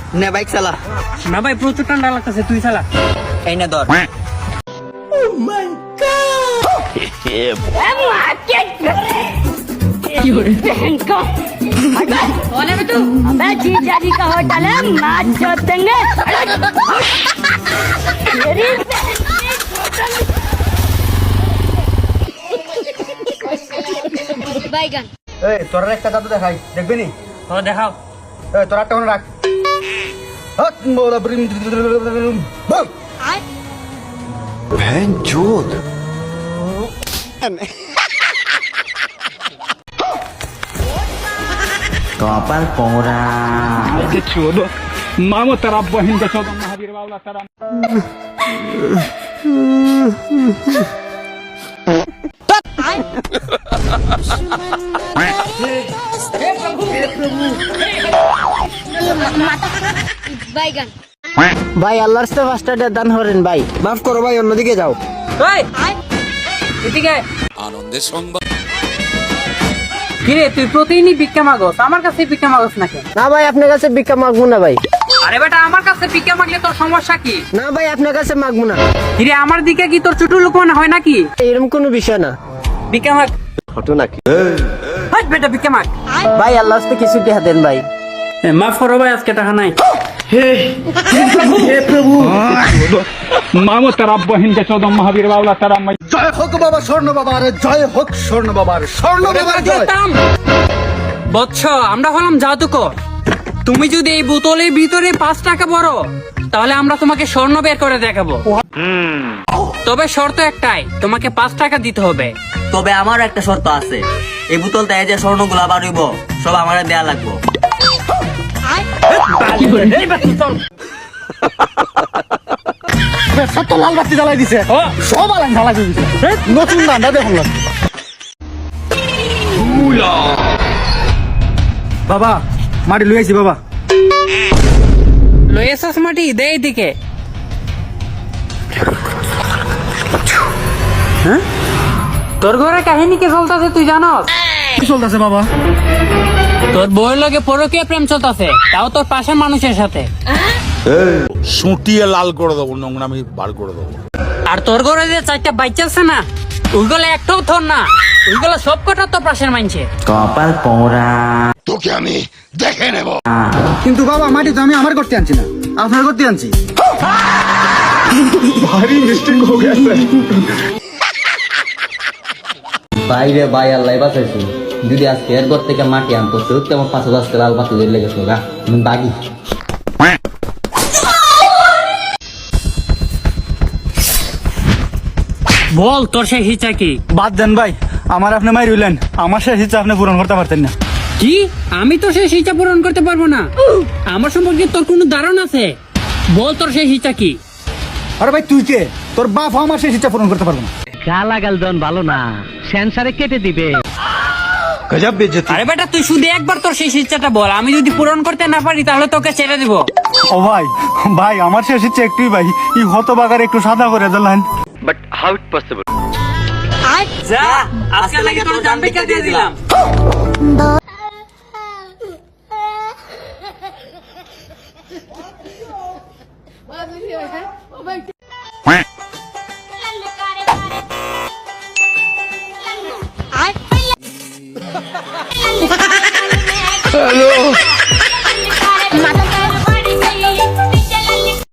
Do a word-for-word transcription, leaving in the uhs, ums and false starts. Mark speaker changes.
Speaker 1: নে বাইক চালা।
Speaker 2: না ভাই প্রচুর ঠান্ডা লাগতেছে, তুই চালা।
Speaker 1: এই না ধর।
Speaker 3: अबे जीजा जी का होटल है, मैच जोत देंगे। मेरी बैगन
Speaker 4: এই তোর একটা জাদু দেখাই, দেখবি নি?
Speaker 2: ও দেখাও।
Speaker 4: এই তোর একটা রাখ। হাত মোলা ব্রিম বম।
Speaker 1: কপাল পোড়া।
Speaker 5: मामो तेरा बहन का चौदह महावीर बावला तेरा
Speaker 3: बैगन
Speaker 1: ভাই আল্লাহর সাথে পাঁচটা দান করেন ভাই।
Speaker 4: মাফ করো ভাই, অন্যদিকে যাও।
Speaker 2: এই এদিকে
Speaker 6: আনন্দের সংবাদ।
Speaker 2: কিরে তুই প্রতিদিনই ভিক্ষা মাগস, আমার কাছে ভিক্ষা মাগস নাকি?
Speaker 1: না ভাই আপনার কাছে ভিক্ষা মাগবো না ভাই।
Speaker 2: আরে বেটা আমার কাছে ভিক্ষা মাগলে তোর সমস্যা কি?
Speaker 1: না ভাই আপনার কাছে মাগবো না।
Speaker 2: কিরে আমার দিকে কি তোর ছোট লোক মনে হয় নাকি?
Speaker 1: এরকম কোনো বিষয় না
Speaker 2: ভিক্ষা মাগ।
Speaker 4: ঘটনা কি?
Speaker 2: হাট বেটা ভিক্ষা মাগ।
Speaker 1: ভাই আল্লাহর সাথে কিছু টাকা দেন ভাই।
Speaker 2: মাফ করো ভাই, আজকে টাকা নাই।
Speaker 5: मामो तेरा बहन का चौदह महावीर बावला तेरा मैं
Speaker 4: জয় হোক বাবা স্বর্ণ বাবার, জয় হোক স্বর্ণ বাবার, স্বর্ণ বাবার জয়।
Speaker 2: বৎস আমরা হলাম জাদুকর। তুমি যদি এই বোতলের ভিতরে পাঁচ টাকা ভরো তাহলে আমরা তোমাকে স্বর্ণ বের করে দেখাবো। তবে শর্ত একটাই, তোমাকে পাঁচ টাকা দিতে হবে।
Speaker 1: তবে আমার একটা শর্ত আছে, এই বোতল থেকে যে স্বর্ণগুলা বাড়িব সব আমার দেয়া লাগবো।
Speaker 4: সত্য লাল বাতি জ্বালাই দিছে, সব আলান জ্বালাই দিছে। নতুন দান্ডা দেখুন না। বাবা মাটি লই আইছি বাবা।
Speaker 2: লয়েছস মাটি দে এদিকে। হ্যাঁ? তোর ঘরে কাহিনী কে চলতেছে তুই জানস?
Speaker 4: কি চলতেছে বাবা?
Speaker 2: তোর বউয়ের লগে পরকীয়া প্রেম চলতেছে, তাও তোর পাশের মানুষের সাথে।
Speaker 6: সুটিয়ে লাল করে দেবো, নোংরামি বার করে দেবো।
Speaker 2: আর তোর ঘরে যে চারটা বাচ্চা আছে না, ওইগুলো একটাও তোর না, ওইগুলো সব কটা তোর পাশের মানছে।
Speaker 1: কপাল পোড়া।
Speaker 6: তোকে আমি দেখে নেব।
Speaker 4: কিন্তু বাবা মাটি তো আমি আমার করতে আনছি না, আপনার করতে আনছি। ভারী মিস্টেক হয়ে গেছে।
Speaker 1: বাইরে ভাই আল্লাহ বাঁচাইছি, যদি আজকে এর ঘর থেকে মাটি আনতো সত্যি আমার পাঁচ হাজার লাল বাতি ধরে লেগেছিল গা, আমি বাগি।
Speaker 2: বল তোর সেই হিচা কি?
Speaker 4: বাদ দেন ভাই, আমার আপনি মাই রইলেন, আমার শেষ ইচ্ছা আপনি পূরণ করতে পারতেন না।
Speaker 2: কি? আমি তো সেই হিচা পূরণ করতে পারবো না? আমার সম্পর্কে তোর কোনো ধারণা আছে? বল তোর সেই হিচা কি?
Speaker 4: আরে ভাই তুই কে? তোর বাপ আমার শেষ ইচ্ছা পূরণ করতে পারবো না।
Speaker 2: গালাগাল দন ভালো না, সেন্সারে কেটে দিবে।
Speaker 4: গজব বেইজ্জতি।
Speaker 2: আরে বেটা তুই শুধু একবার তোর সেই ইচ্ছাটা বল, আমি যদি পূরণ করতে না পারি তাহলে তোকে ছেড়ে দিব।
Speaker 4: ও ভাই, ভাই আমার শেষ ইচ্ছা একটুই ভাই, এই হতবাগার একটু সাদা করে দিলেন।
Speaker 2: যা আজকে লাগে তোর জান ভিক্ষা দিয়ে দিলাম।
Speaker 3: ओ भाई